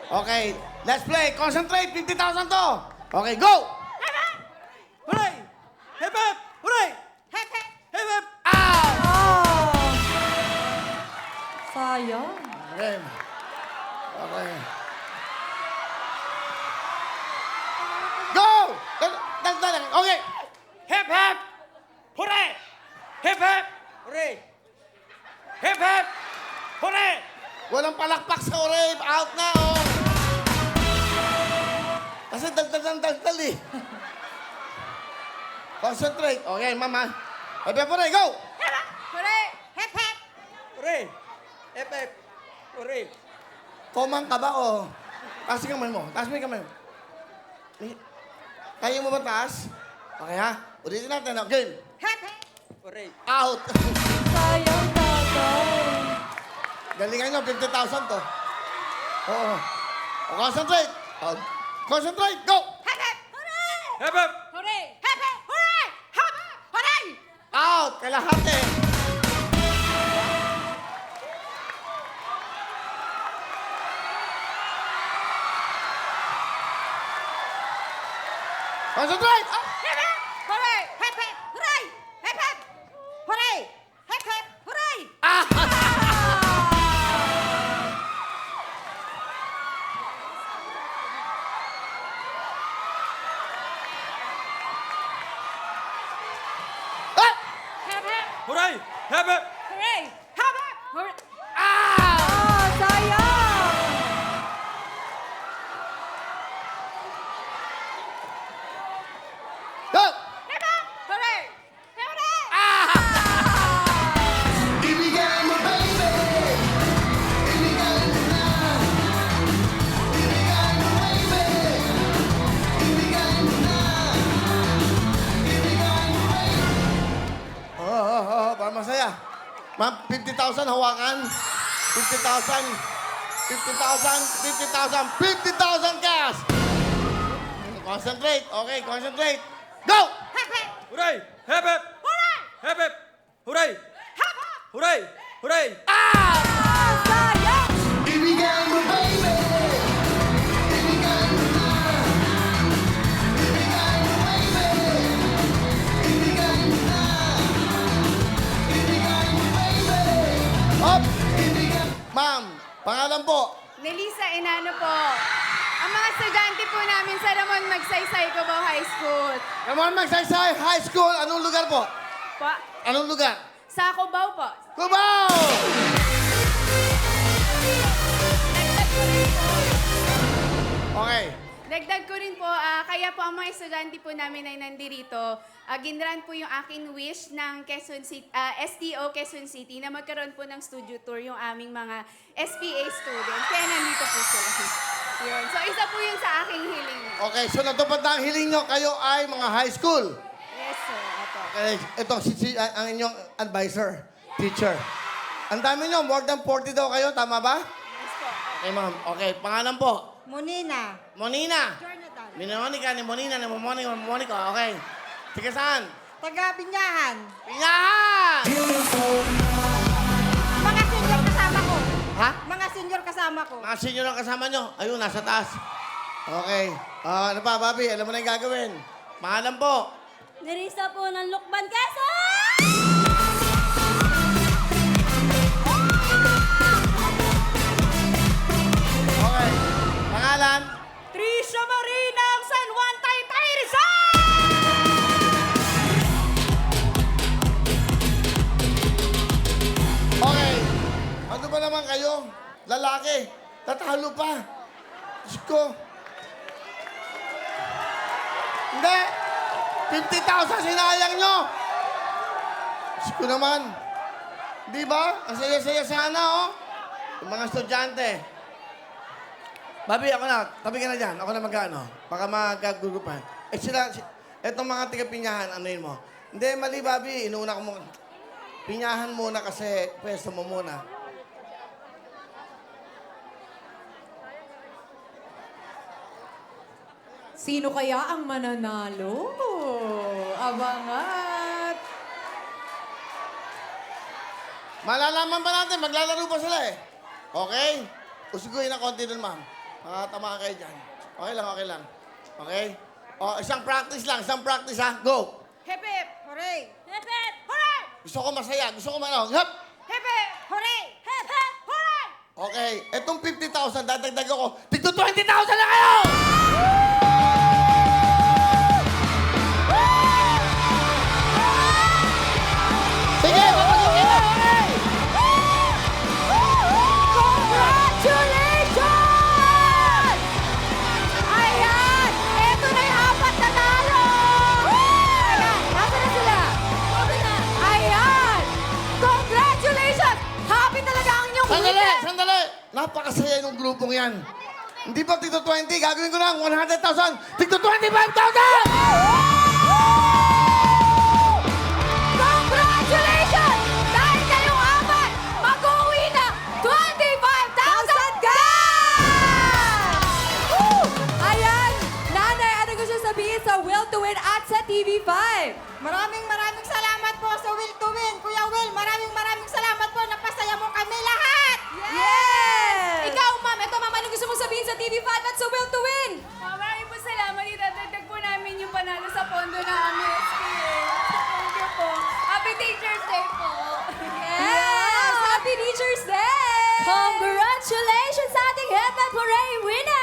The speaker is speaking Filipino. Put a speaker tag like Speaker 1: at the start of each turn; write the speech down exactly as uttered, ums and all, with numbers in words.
Speaker 1: Okay, let's play. Concentrate. fifty thousand to. Okay, go!
Speaker 2: Hooray! Hip hip! Hooray!
Speaker 3: Hep, hep.
Speaker 2: Hip hip!
Speaker 1: Out!
Speaker 3: Oh! Sayang.
Speaker 1: Okay. Okay. Go! Dal- dal- dal- Okay.
Speaker 2: Hip hip! Hooray! Hip hip! Hooray! Hip hip! Hooray!
Speaker 1: Walang palakpak sa oreb. Out na, oh. Kasi dal-dal-dal-dal eh. Concentrate. Okay, mama. Happy po rin. Go!
Speaker 3: Hooray! Hep, hep.
Speaker 2: Hooray! Hip hip! Hooray!
Speaker 1: Komang ka ba, oh? Taas yung kamay mo. Taas mo yung kamay mo. Eh, Kaya mo ba taas? Okay, ha? Ulitin natin. oh. Game.
Speaker 3: Hep, hep.
Speaker 2: Hooray!
Speaker 1: Out.
Speaker 3: Sayang, tatay.
Speaker 1: Galingan nyo. fifty thousand to. Oo. Oh, concentrate. Oh. Concentrate. Go!
Speaker 3: Hep, hep. Hooray!
Speaker 2: Hip hip!
Speaker 3: Hooray! Hep, hep. Hooray! Hep, hep. Hooray!
Speaker 1: Out. Kalahati. Concentrate. Ah.
Speaker 3: Hep, hep. Hooray! Hep, hep. Hooray! Hep, hep. Hooray! Hep, hep. Hooray!
Speaker 1: Ah. Ah.
Speaker 3: Hep, hep.
Speaker 2: Hooray! Hip hip!
Speaker 3: Hooray! Hep, hep. Hooray!
Speaker 1: Ah.
Speaker 3: Ah, sayang!
Speaker 1: Go!
Speaker 3: Hep, hep. Hooray! Hooray!
Speaker 1: Ah.
Speaker 4: Ibigay mo, baby. Ibigay mo na. Ibigay mo, baby. Ibigay mo na. Ibigay mo, baby.
Speaker 1: Oo, oo, oo. Para masaya. Ma'am, fifty thousand hawakan. fifty thousand. fifty thousand. fifty thousand. fifty thousand cash. Concentrate. Okay, concentrate. Go!
Speaker 3: Hep, hep.
Speaker 2: Hooray! Hip hip!
Speaker 3: Hooray!
Speaker 2: Hip hip! Hooray!
Speaker 3: Hep, hep.
Speaker 2: Hooray! Hooray!
Speaker 1: Ah!
Speaker 3: Ah, sayang!
Speaker 4: Ibigay mo, baby. Ibigay mo na. Ibigay mo, baby. Ibigay mo na. Ibigay mo, baby.
Speaker 1: Up!
Speaker 4: Ibigay
Speaker 1: Ma'am, pangalan po.
Speaker 3: Nelisa Enano po. Ang mga estudyante po namin sa Ramon Magsaysay Cubao High School.
Speaker 1: Ramon Magsaysay High School. Anong lugar po?
Speaker 3: Pa,
Speaker 1: Anong lugar?
Speaker 3: sa Cubao po.
Speaker 1: Cubao!
Speaker 3: Dagdag ko rin po.
Speaker 1: Okay.
Speaker 3: Dagdag ko rin po, ah, kaya po ang mga estudyante po namin ay nandirito. Uh, ginran po yung aking wish ng Quezon City, ah, S T O Quezon City na magkaroon po ng studio tour yung aming mga S P A students. Kaya nandito po sila. Yun. So isa po yun sa aking hiling.
Speaker 1: Okay, so natupad na ang hiling nyo. Kayo ay mga high school.
Speaker 3: Yes, sir. Apo.
Speaker 1: Okay, ito si, si ang ang inyong advisor, teacher. Ang dami nyo, more than forty daw kayo, tama ba?
Speaker 3: Yes po.
Speaker 1: Okay, ma'am. Okay, pangalan po.
Speaker 3: Monina.
Speaker 1: Monina.
Speaker 3: Jonathan.
Speaker 1: Minomonica ni Monina ni Momonica ni Momonica. Okay. Sige saan?
Speaker 3: Taga Binyahan.
Speaker 1: Pinyahan!
Speaker 3: Mga senior kasama ko.
Speaker 1: Ha?
Speaker 3: Mga senior kasama ko.
Speaker 1: Mga senior ang kasama nyo. Ayun, nasa taas. Okay. Ah, ano pa, Bobby? Alam mo na yung gagawin. Pangalan po.
Speaker 3: Nerissa po ng Lukban, Quezon!
Speaker 1: Okay. Pangalan?
Speaker 3: Trisha Marina ng San Juan, Taytay, Rizal!
Speaker 1: Okay. Ano ba naman kayo? Lalaki. Tatalo pa. Diyos ko. Hindi. fifty thousand sinayang nyo. Diyos ko naman. Di ba? Ang saya-saya sana, oh. Yung mga estudyante. Babi, ako na. Tabi ka na dyan. Ako na mag-ano. Baka magkagugupan. Eh sila, si, etong mga tiga-pinyahan, ano yun mo? Hindi, mali, Babi. Inuuna ko mo. Pinyahan muna kasi pwesto mo muna.
Speaker 5: Sino kaya ang mananalo? Abangat!
Speaker 1: Malalaman pa natin, maglalaro pa sila eh. Okay? Usiguin na konti dun, ma'am. Makatamaan kayo dyan. Okay lang, okay lang. Okay? O, isang practice lang, isang practice ha. Go!
Speaker 3: Hip hip! Hooray! Hip hip! Hooray!
Speaker 1: Gusto ko masaya, gusto ko ano. Hop!
Speaker 3: Hip hip! Hooray! Hip hip! Hooray!
Speaker 1: Okay, etong fifty thousand, dadagdag ako. Tigto twenty thousand na kayo! Sige, papasukin na! Okay!
Speaker 5: Congratulations! Ayan! Ito na yung apat na talo! Ayan, nasa na sila? Ayan! Congratulations! Happy talaga ang inyong
Speaker 1: Sandali,
Speaker 5: winner!
Speaker 1: sandali! Napakasaya ng grupong yan. Hindi pa tigto twenty, gagawin ko lang one hundred thousand. Tigto twenty-five thousand!
Speaker 5: Congratulations! Dahil kayong apat, mag-uwi na twenty-five thousand cash! Woo! Ayan! Nanay, ano gusto sabihin sa Will to Win at sa T V five?
Speaker 6: Maraming maraming salamat po sa Will to Win. Kuya Will, maraming maraming salamat po. Napasaya mo kami lahat.
Speaker 5: Yes! Ikaw, ma'am, ito ma'am, ano gusto mong sabihin sa T V five at sa Will to Win?
Speaker 3: Ah, maraming po salamat. Idadagdag po namin yung panalo sa pondo ng aming S P A. Thank you po. Happy Teacher's Day po.
Speaker 5: Yes! Happy Teacher's Day! Congratulations sa ating Head Hooray winner!